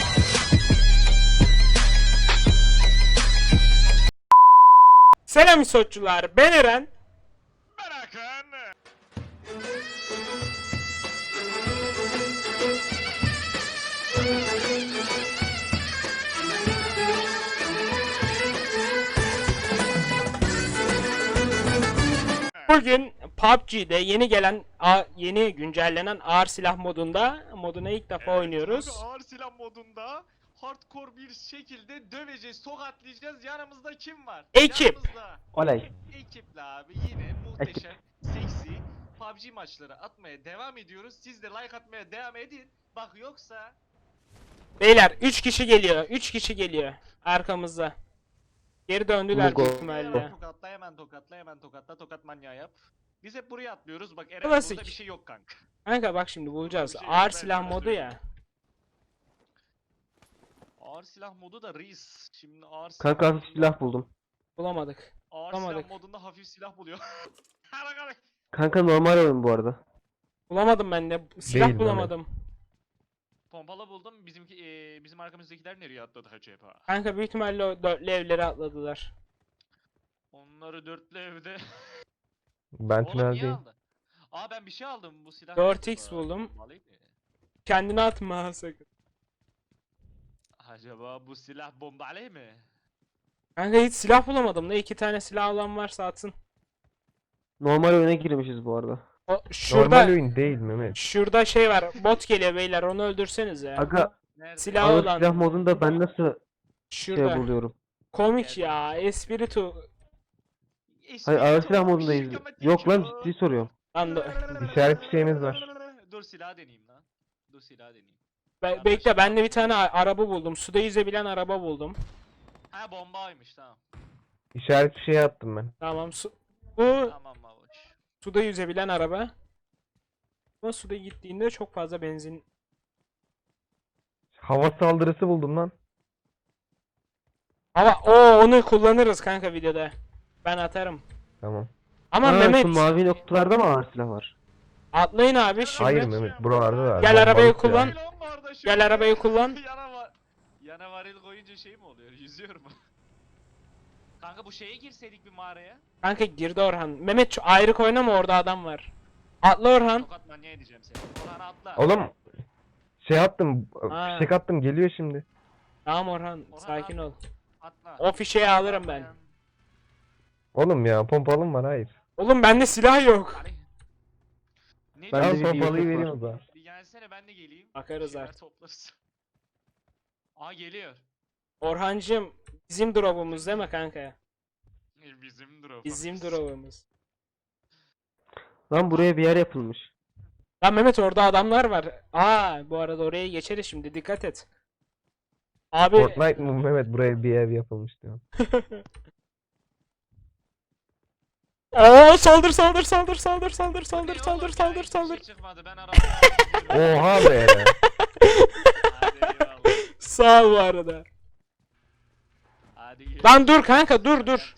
Selam İsotçular, ben Eren. Ben Hakan. Bugün PUBG'de yeni güncellenen ağır silah moduna ilk defa oynuyoruz. Kanka, ağır silah modunda hardcore bir şekilde döveceğiz, tokatlayacağız. Yanımızda kim var? Ekip. Yanımızda Olay. ekiple abi yine muhteşem, seksi PUBG maçları atmaya devam ediyoruz. Siz de like atmaya devam edin. Bak yoksa Beyler 3 kişi geliyor. 3 kişi geliyor arkamızda. Geri döndüler Mugo. büyük ihtimalle. hemen tokatla, tokat manyağı yap. Biz hep buraya atlıyoruz. Bak Eren Klasik. burada bir şey yok kanka. Kanka bak şimdi bulacağız. Bir şey Ağır yok, ben silah sana modu söyleyeyim. ya. Ağır silah modu da reis. Şimdi ağır silah Kanka hafif modunda- silah buldum. Bulamadık. Ağır bulamadık. silah modunda hafif silah buluyor. Bakalım. Kanka normal oyun bu arada. Bulamadım ben de. Silah Değil, bulamadım. Pompalı buldum. Bizim arkamızdakiler nereye atladı acaba? Kanka büyük ihtimalle o dörtlü evlere atladılar. Onları dörtlü evde. Ben Oğlum niye tüneldeyim. aldı? Aa ben bir şey aldım. Bu silah. 4x acaba? buldum. Alayım mı? Kendini atma ha sakın. Acaba bu silah bombalı mı? Kanka hiç silah bulamadım da 2 tane silah alan varsa atsın. Normal oyuna girmişiz bu arada. O şurada Normal oyun değil Mehmet. şurada şey var. Bot geliyor beyler. Onu öldürseniz ya. Aga Nerede? Silah ağır olan. silah modunda ben nasıl Şurada. şey buluyorum? Komik ya. Espiritu. Hayır ağır silah Espiritu, modundayız. şikamet Yok lan yapıyor. ciddi soruyorum. Lan İşaret fişeğimiz var. Dur silah deneyeyim lan. Dur silah deneyeyim. bekle ben de bir tane araba buldum. Suda yüzebilen araba buldum. Ha bombaymış tamam. İşaret fişeği attım ben. Tamam bu Tamam babuş. suda yüzebilen araba. Ama suda gittiğinde çok fazla benzin. Hava saldırısı buldum lan. Ama onu kullanırız kanka videoda. Ben atarım. Tamam. Ama Aa, Mehmet şu mavi noktalarda mı ağır silah var? atlayın abi şimdi. Hayır Mehmet buralarda da var. Gel arabayı Bombalık ya. kullan. Gel arabayı kullan. Yana varil koyunca şey mi oluyor? Yüzüyor mu? Kanka bu şeye girseydik bir mağaraya. Kanka girdi Orhan. Mehmet şu ayrı oynama orada adam var. Atla Orhan. Tokat manyağı edeceğim seni. Orhan atla. Oğlum şey attım. Ha. Fişek attım geliyor şimdi. Tamam Orhan Orhan sakin ol. Atla. O fişeği alırım ben. Oğlum ya pompalım var hayır. Oğlum bende silah yok. Hani- Ne Ben Al de diyorsun? bir pompalıyı yusuf vereyim var. o zaman. Bir gelsene ben de geleyim. Bakarız Bir şeyler artık. toplarız. Aa geliyor. Orhancığım bizim drop'umuz değil mi kanka? Bizim drop. Bizim drop'umuz. Lan buraya bir yer yapılmış. Lan Mehmet orada adamlar var. Bu arada oraya geçeriz şimdi dikkat et. Abi Fortnite mı Mehmet buraya bir ev yapılmış diyor. saldır saldır saldır saldır saldır saldır Ne saldır oğlum ya, saldır hiçbir şey saldır. çıkmadı ben arabaya. Oha be. Hadi eyvallah. Sağ ol bu arada. Hadi gel. Lan dur kanka dur.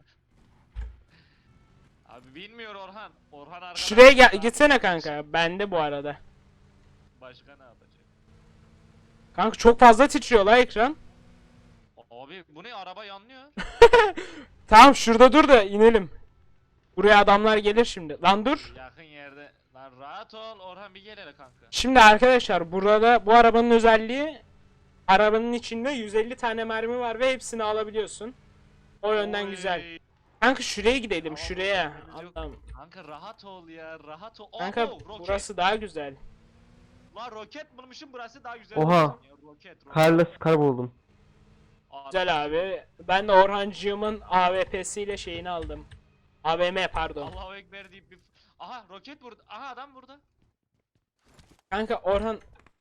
Abi bilmiyor Orhan. Orhan arkadan. Şuraya gitsene kanka. Bende bu arada. Başka ne yapacak? Kanka çok fazla titriyor la ekran. Abi bu ne araba yanlıyor. Tamam şurada dur da inelim. Buraya adamlar gelir şimdi. Lan dur. Yakın yerde. Lan rahat ol Orhan bir gel hele kanka. Şimdi arkadaşlar burada bu arabanın özelliği arabanın içinde 150 tane mermi var ve hepsini alabiliyorsun. O yönden Oy. güzel. Kanka şuraya gidelim Tamam, şuraya. mermimiz yok. Allah'ım. Kanka rahat ol ya rahat ol. Kanka Abo, roket. burası daha güzel. Lan roket bulmuşum burası daha güzel. Oha. olsun ya, roket. Karla skar buldum. Güzel abi. Ben de Orhancığımın AWP'siyle şeyini aldım. AVM pardon. Allahu Ekber deyip bir... Aha roket burada. Aha adam burada. Kanka Orhan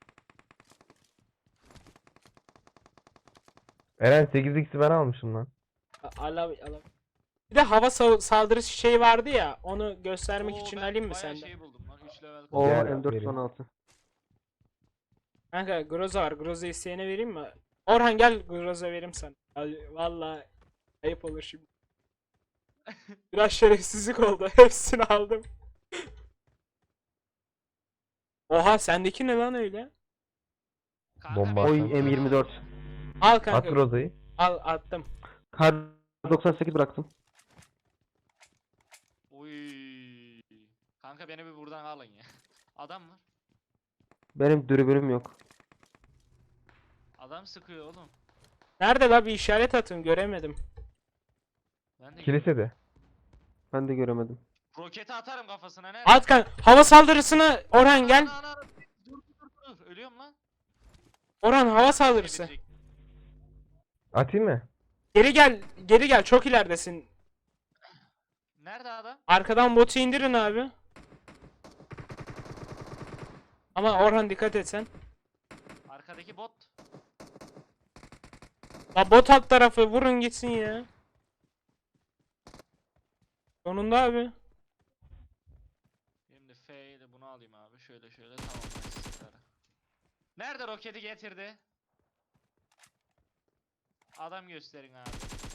Eren 8x'i ben almışım lan. ala. Bir de hava saldırısı şey vardı ya. Onu göstermek Oo, için ben alayım mı bayağı senden? şey buldum lan 3 level. O Gel, M416. Kanka Groza var. Groza isteyene vereyim mi? Orhan gel Groza vereyim sana. Valla ayıp olur şimdi. Biraz şerefsizlik oldu. Hepsini aldım. Oha sendeki ne lan öyle? Kanka Bomba ben- Oy atan. M24. Al At kanka. Groza'yı. Al attım. Kar 98 bıraktım. Oy. Kanka beni bir buradan alın ya. Adam var. Benim dürbünüm yok. Adam sıkıyor oğlum. Nerede la bir işaret atın göremedim. Ben de Kilisede. Ben de göremedim. roketi atarım kafasına nerede? At kanka. Hava saldırısını Orhan gel. Ana. Dur. Ölüyorum lan. Orhan hava saldırısı. Gelecek. Atayım mı? Geri gel. Geri gel. Çok ileridesin. Nerede adam? Arkadan botu indirin abi. Ama Orhan dikkat et sen. Arkadaki bot. La bot alt tarafı vurun gitsin ya. Sonunda abi. Şimdi F ile bunu alayım abi. Şöyle tamam. Süper. Nerede roketi getirdi? Adam gösterin abi.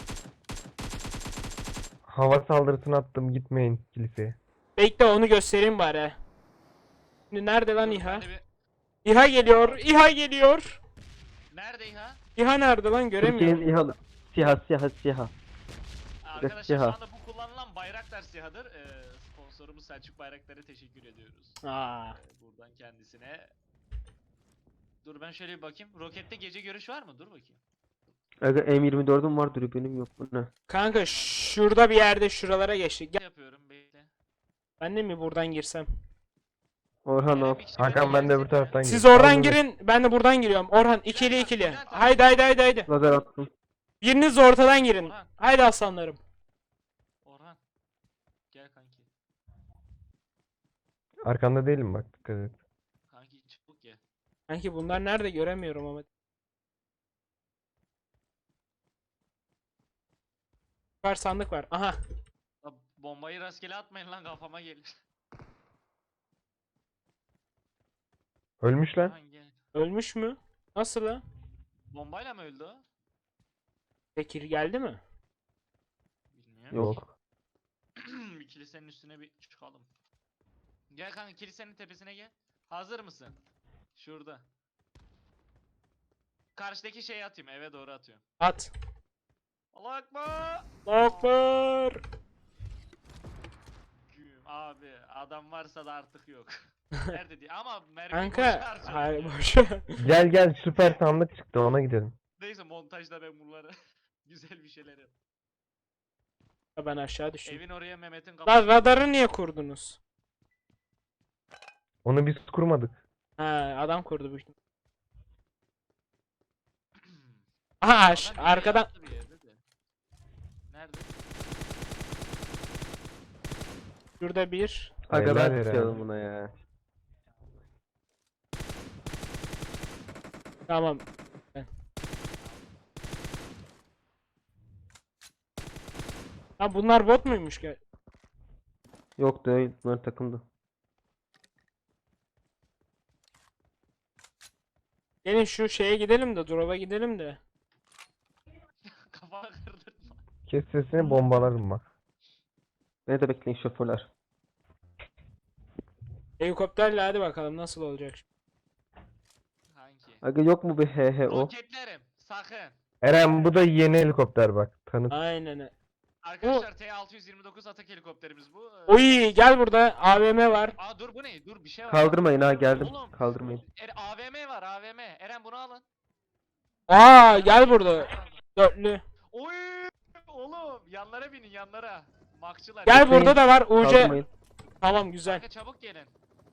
Hava saldırısını attım, gitmeyin kiliseye. Bekle onu göstereyim bari. Şimdi nerede lan Dur, İHA? ben de bir- İHA geliyor. İHA geliyor. Nerede İHA? İHA nerede lan göremiyorum. Türkiye'nin İHA'lı. SİHA. Arkadaşlar şu SİHA. anda bu kullanılan Bayraktar SİHA'dır. Sponsorumuz Selçuk Bayraktar'a teşekkür ediyoruz. Aa. Buradan kendisine. Dur ben şöyle bir bakayım. Rokette gece görüş var mı? Dur bakayım. Aga M24'üm var dürbünüm yok. Bu ne? Kanka şurada bir yerde şuralara geçtik. Gel. Yapıyorum bekle. Ben de mi buradan girsem? Orhan Kerem al. bir kişi Hakan ben de gelse- öbür taraftan Siz gireyim. oradan Al bunu. girin. Ben de buradan giriyorum. Orhan ikili Bülent, ikili. Bülent abi. Haydi. Lazer attım. Biriniz de ortadan girin. Orhan. Haydi aslanlarım. Orhan. Gel kanki. Arkanda değilim bak, dikkat et. Kanki çabuk gel. Sanki bunlar nerede göremiyorum ama. Var sandık var. Aha. La, bombayı rastgele atmayın lan kafama gelir. Ölmüş lan. Orhan gel. Ölmüş mü? Nasıl la? Bombayla mı öldü o? Bekir geldi mi? Bilmiyorum. Yok. Bir kilisenin üstüne bir çıkalım. Gel kanka kilisenin tepesine gel. Hazır mısın? Şurada. Karşıdaki şeyi atayım, eve doğru atıyorum. At. Allah akbar. Allahu Ekber. Güm. Abi adam varsa da artık yok. Nerede diye ama mermi Kanka. boşa Hayır harcanıyor. boşa. Gel süper sandık çıktı, ona gidelim. Neyse montajda ben bunları güzel bir şeyler yap. Ben aşağı düştüm. Evin oraya Mehmet'in Lan kafası. radarı niye kurdunuz? Onu biz kurmadık. Ha adam kurdu bu. Aha Adam bir yere arkadan. yattı bir yerde de. Nerede? Şurada bir. Aga Helal ben helal. tutuyordum buna ya. Tamam. Ha bunlar bot muymuş ki? Yok değil. Bunlar takımdı. Gelin şu şeye gidelim de drop'a gidelim de. Kafana kırdırma. Kes sesini, bombalarım bak. Beni de bekleyin şoförler. Helikopterle hadi bakalım nasıl olacak. Kanki. Aga yok mu bir HHO? Roketlerim sakın. Eren, bu da yeni helikopter bak. Tanıt. Aynen. Arkadaşlar T-629 atak helikopterimiz bu. Oy gel burada AVM var. Aa dur bu ne? Dur bir şey var. Kaldırmayın ha geldim. Oğlum. Kaldırmayın. AVM var AVM. Eren bunu alın. Aa gel burada. Dörtlü. Oy oğlum yanlara binin yanlara. Makçılar. Gel Bekleyin. burada da var UC. Kaldırmayın. Tamam güzel. Kanka çabuk gelin.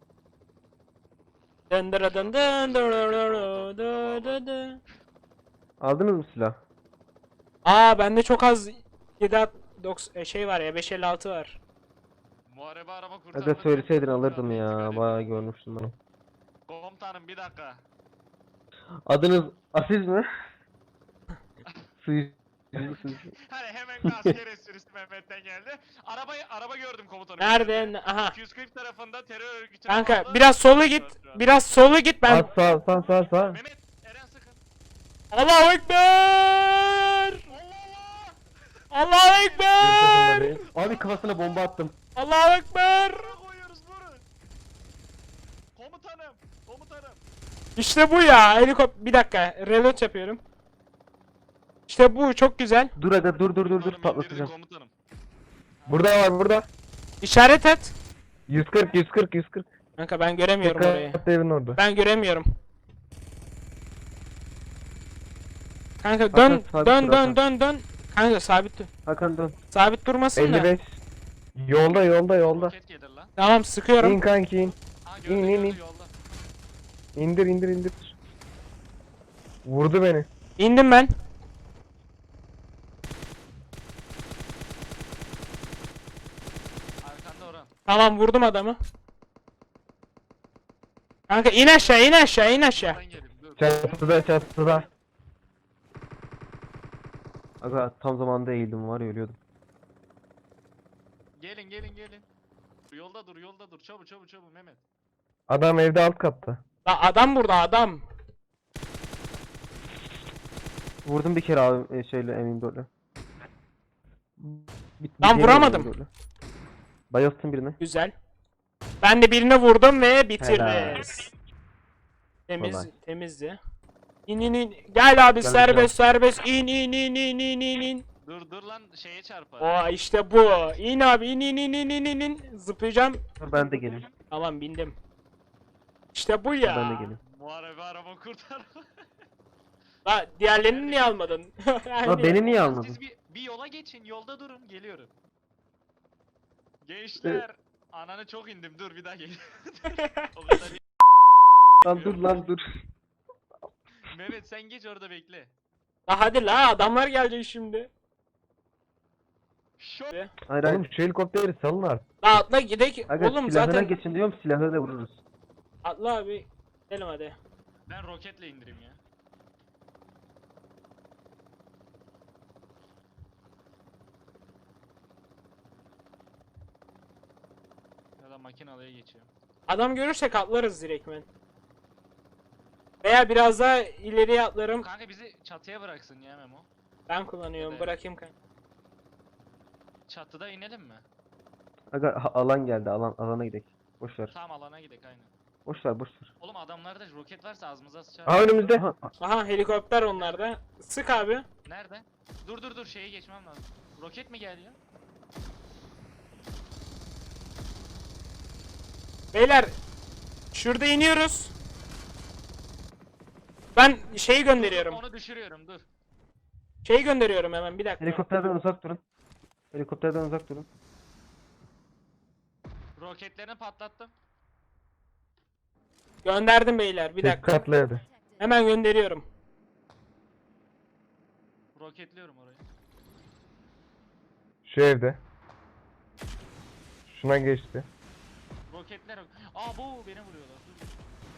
Dın dın dın dın dın dın dın dın. Aldınız mı silah? Aa bende çok az 7 şey var ya 556 var. Muharebe araba kurtardı. Aga söyleseydin alırdım ya. Bayağı görmüştüm bunu. Komutanım bir dakika. Adınız Aziz mi? Suyu. Hani hemen bir asker esprisi Mehmet'ten geldi. Araba gördüm komutanım. Nerede? Aha. 240 tarafında terör örgütü. Kanka biraz sola git. Biraz sola git ben. Sağ. Mehmet Eren sıkın. Allahu Ekber! Allah Allahu Ekber! Abi kafasına bomba attım. Allahu Ekber! Allah! Koyuyoruz vurun. Komutanım. İşte bu ya. Helikopter. Bir dakika. Reload yapıyorum. İşte bu çok güzel. Dur aga dur Komutanım, patlatacağım. indirdi komutanım. Burada var burada. İşaret et. 140. Kanka ben göremiyorum orayı. Dikkatli evin orada. Ben göremiyorum. Kanka dön Hakan, sabit dön dur, dön Hakan. dön dön. Kanka sabit dur. Hakan dön. Sabit durmasın da. 55. Yolda. Roket gelir lan. Tamam sıkıyorum. İn kanki in. Ha İn, in, in. yolda. İndir. Vurdu beni. İndim ben. Arkanda Orhan. Tamam vurdum adamı. Kanka in aşağı in aşağı in aşağı. Oradan gelin dur. Çatıda. Aga tam zamanda eğildim var ya ölüyordum. Gelin. Yolda dur. Çabuk Mehmet. Adam evde alt katta. La adam burada adam. Vurdum bir kere abi şeyle M24'le. Lan vuramadım. Bayılttım birini. Güzel. Ben de birine vurdum ve Helal. bitiririz. Kolay. Temizdi. İn. Gel abi Gel, serbest. İn. Dur lan şeye çarpar. Oo işte bu. İn abi in. Zıplayacağım. Dur ben de geleyim. Tamam bindim. İşte bu Ben de ya. geleyim. Muharebe araba kurtar. La diğerlerini niye almadın? La beni niye almadın? Siz bir yola geçin. Yolda durun. Geliyorum. Gençler. Ananı çok indim. Dur bir daha gel. O kadar iyi. Lan dur. Mehmet sen geç orada bekle. La hadi la adamlar gelecek şimdi. Şok. Hayır Oğlum hayır. şu helikopteri salın artık. La atla gidek. Aga Oğlum silahına zaten geçin diyorum silahla da vururuz. atla abi. Gidelim hadi. Ben roketle indireyim ya. Ya da makinalıya geçiyorum. Adam görürsek atlarız direktmen. Veya biraz daha ileriye atlarım. Kanka bizi çatıya bıraksın ya Memo. Ben kullanıyorum Evet. bırakayım kanka. Çatıda inelim mi? Aga alan geldi alana gidelim. Boş ver. Tam alana gidelim aynen. Boş ver. Oğlum adamlarda roket varsa ağzımıza sıçar. Aa önümüzde. Aha, Aha helikopter onlarda. Sık abi. Nerede? Dur şeye geçmem lazım. Roket mi geliyor? Beyler şurada iniyoruz. Ben şeyi gönderiyorum. Onu düşürüyorum dur. Şeyi gönderiyorum hemen bir dakika. helikopterden uzak durun. Helikopterden uzak durun. Roketlerini patlattım. Gönderdim beyler bir dakika. Dikkatli evde. Hemen gönderiyorum. Roketliyorum orayı. Şu evde. Şuna geçti. Roketler. Aa bu beni vuruyorlar. Dur.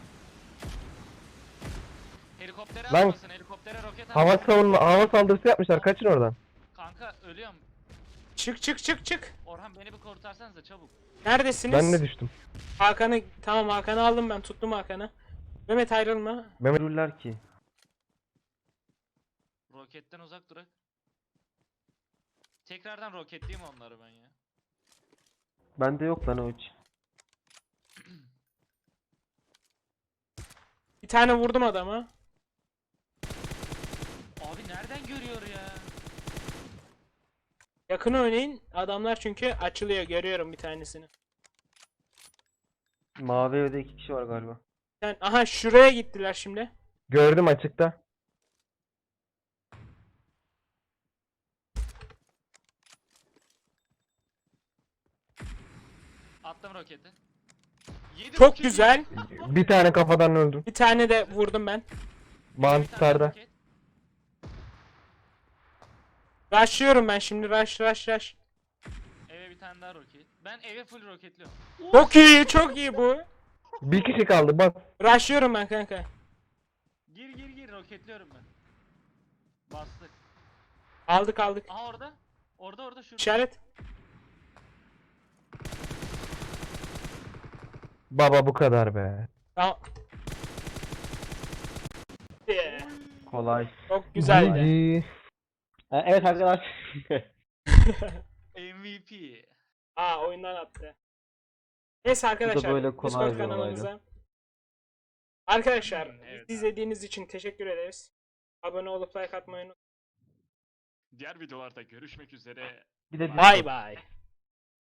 Helikoptere Lan- atmasın. Helikoptere roket Hava atmasın. hava saldırısı yapmışlar. Kaçın oradan. Kanka ölüyorum. Çık. Orhan beni bir kurtarsanıza çabuk. Neredesiniz? Ben de düştüm. Hakan'ı tamam Hakan'ı aldım ben tuttum Hakan'ı. Mehmet ayrılma. Mehmet Dururlar ki. Roketten uzak durak. Tekrardan roketleyeyim onları ben ya. Bende yok lan o hiç. Bir tane vurdum adama. Abi nereden görüyor ya? Yakın oynayın. Adamlar çünkü açılıyor. Görüyorum bir tanesini. Mavi evde 2 kişi var galiba. Aha şuraya gittiler şimdi. gördüm açıkta. Attım roketi. Yedi Çok roketi. güzel. Bir tane kafadan öldüm. Bir tane de vurdum ben. Bir tane Mantarda. roket. Rushlıyorum ben şimdi. Rush. Eve bir tane daha roket. Ben eve full roketliyorum. Çok iyi bu. Bir kişi kaldı bak. Rushlıyorum ben kanka. Gir roketliyorum ben. Bastık. Aldık. Aha orada. Orada şurada. İşaret. Baba bu kadar be. Tamam. Yeah. Kolay. Çok güzeldi. GG. Evet arkadaşlar. MVP. Oyundan attı. Neyse arkadaşlar. böyle kolay Discord bir olaydı. kanalımıza Arkadaşlar Evet bizi abi. izlediğiniz için teşekkür ederiz. Abone olup like atmayı unutmayın. Diğer videolarda görüşmek üzere. Bir de Bay bay.